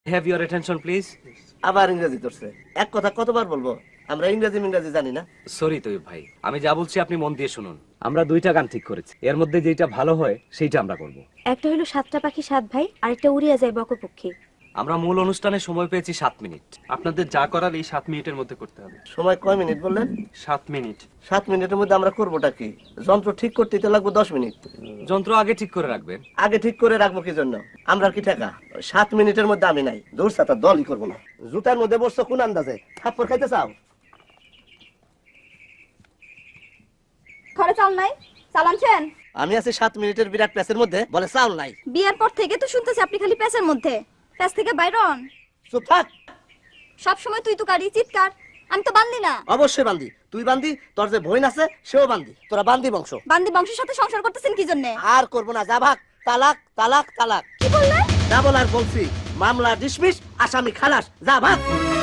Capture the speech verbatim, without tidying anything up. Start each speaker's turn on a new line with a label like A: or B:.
A: Have your attention please.
B: আবার ইংরেজি ধরছে। এক কথা কতবার বলবো, আমরা ইংরেজি ইংরেজি জানি না।
A: সরি তৈয়ব ভাই, আমি যা বলছি আপনি মন দিয়ে শুনুন। আমরা দুইটা গান ঠিক করেছি, এর মধ্যে যেটা ভালো হয় সেইটা আমরা করব।
C: একটা হলো সাতটা পাখি সাত ভাই, আরেকটা উড়িয়া যায় বকপক্ষী।
A: আমরা মূল অনুষ্ঠানে সময় পেয়েছি সাত মিনিট।
D: আপনাদের যা করার এই সাত মিনিটের মধ্যে করতে হবে।
B: সময় কয় মিনিট বললেন?
D: সাত মিনিট।
B: সাত মিনিটের মধ্যে আমরা করবোটা কি? যন্ত্র ঠিক করতে তো লাগবে দশ মিনিট।
A: যন্ত্র আগে ঠিক করে রাখবেন।
B: আগে ঠিক করে রাখবো কি জন্য? আমরা কি টাকা ওই সাত মিনিটের মধ্যে আমি নাই, দূর সাতা দলই করবো না। জুতার মধ্যে বসছো কোন আন্দাজে? থাপ্পড় খাইতে চাও?
E: ঘরে চাল নাই, চাল আনছেন?
B: আমি আছি সাত মিনিটের বিরাট প্যাসের মধ্যে, বলে চাউল নাই।
E: বিয়ের পর থেকে তো শুনতেছি আপনি খালি প্যাসের মধ্যে, প্যাস থেকে বাইরন।
B: চুপ থাক।
E: সব সময় তুই তো কারি চিৎকার, আমি তো বান্দি না।
B: অবশ্যই বান্দি, তুই বান্দি, তোর যে বোন আছে সেও বান্দি, তোরা বান্দি বংশ।
E: বান্দি বংশের সাথে সংসার করতেছেন কি জন্য?
B: আর করবো না, যা ভাগ। তালাক তালাক তালাক।
E: কি বললেন?
B: যা বলার বলছি। মামলা ডিসমিস, আসামি খালাস, যা ভাগ।